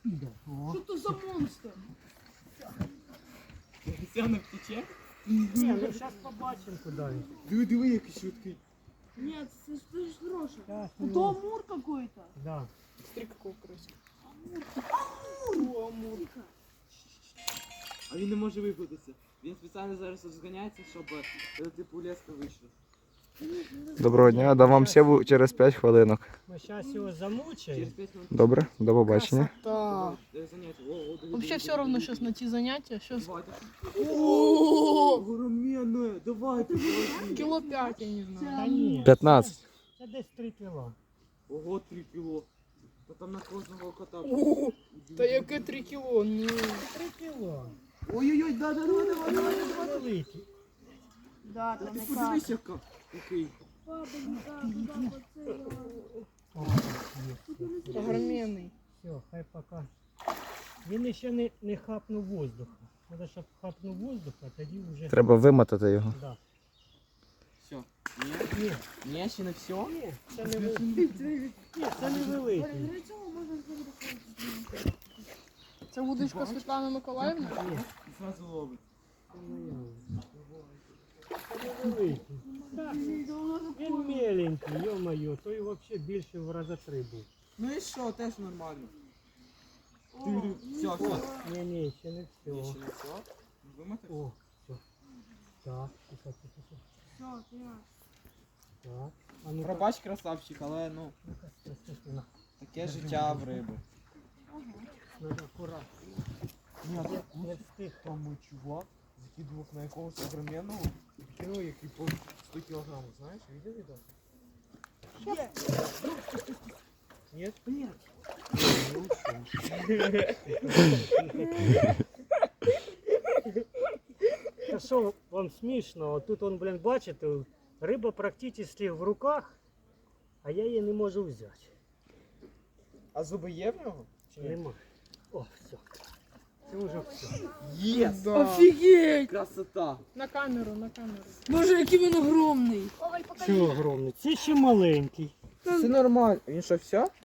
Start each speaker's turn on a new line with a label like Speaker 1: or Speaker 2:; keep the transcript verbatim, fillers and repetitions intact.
Speaker 1: Що це за монстр?
Speaker 2: Сяна втече?
Speaker 3: Ні, ну зараз побачимо куди він.
Speaker 2: Диви, диви, який швидкий.
Speaker 1: Нет, это ж хороший.
Speaker 3: Щас
Speaker 1: Это
Speaker 3: його-
Speaker 1: амур какой-то.
Speaker 3: Да.
Speaker 2: Смотри, какого красивого.
Speaker 1: Амур. Амур.
Speaker 2: А він не може випутатися. Він спеціально зараз розганяється, щоб е, типу леска вийшла.
Speaker 4: Доброго дня, дам вам сєву через п'ять хвилинок.
Speaker 3: Ми зараз його замучаємо.
Speaker 2: Через п'ять хвилин.
Speaker 4: Добре, до побачення.
Speaker 1: Да.
Speaker 2: Е, заняття. О, о, диви,
Speaker 1: Вообще
Speaker 2: диви,
Speaker 1: все
Speaker 2: диви,
Speaker 1: равно
Speaker 2: диви.
Speaker 1: сейчас найти занятия. Сейчас
Speaker 2: Давайте.
Speaker 1: О,
Speaker 2: Огроменне, давайте, давайте.
Speaker 1: кило пять, я не знаю.
Speaker 3: Та ні.
Speaker 4: п'ятнадцять.
Speaker 3: Це, це десь три кіло.
Speaker 2: Ого, три кіло. Та там на кожного кота.
Speaker 1: О, та яке три кіло? Ну.
Speaker 3: Три кіло.
Speaker 2: Ой-ой-ой, да, да, давай, давай, давай, давай.
Speaker 3: Великий.
Speaker 1: Да,
Speaker 2: Та
Speaker 1: там
Speaker 2: ти
Speaker 1: яка.
Speaker 2: подивись, яка. Який.
Speaker 3: О, є.
Speaker 1: Огроменний.
Speaker 3: Все, хай пока. Він ще не, не хапнув воздуха. Треба, щоб хапнув воздуха, тоді вже...
Speaker 4: Треба вимотати його.
Speaker 3: Да.
Speaker 2: Все. Ні?
Speaker 3: Ні,
Speaker 2: Ні, ще не все?
Speaker 3: ні, це не великий. Ні, це не великий.
Speaker 1: Це вудочка Світлана Миколаївна?
Speaker 3: Ні,
Speaker 2: Зразу ловить.
Speaker 3: це не великий. Так, він меленький, йо-моє, той взагалі більше в рази три був.
Speaker 2: Ну і що, теж нормально. Все, все.
Speaker 3: Ні, ні, ще не
Speaker 2: Ні,
Speaker 3: все.
Speaker 2: ще не все. Вимотати?
Speaker 3: О, все. Так, тихо, тихо, тихо.
Speaker 1: Все, я.
Speaker 3: Так. А ну
Speaker 2: Пробач, красавчик, але ну,
Speaker 3: естественно.
Speaker 2: таке життя в риби.
Speaker 3: Надо акуратно.
Speaker 2: Ні, а
Speaker 3: Не,
Speaker 2: тут
Speaker 3: не встиг.
Speaker 2: там мій чувак закидував на якогось огроменного кіно, який по сто кілограмів, знаєш, видів відео?
Speaker 3: Нет?
Speaker 2: Ні.
Speaker 3: Та що вам смішно? Тут он, блін, бачите, риба практично в руках, а я її не можу взяти.
Speaker 2: А зуби є в нього? Чи ні?
Speaker 3: Нема. О, все. Це вже все.
Speaker 2: Єс!
Speaker 1: Офігеть!
Speaker 2: Красота!
Speaker 1: На камеру, на камеру. Боже, який він огромний. Ой,
Speaker 3: Це огромний. Це ще маленький.
Speaker 2: Це нормально. Він що, все?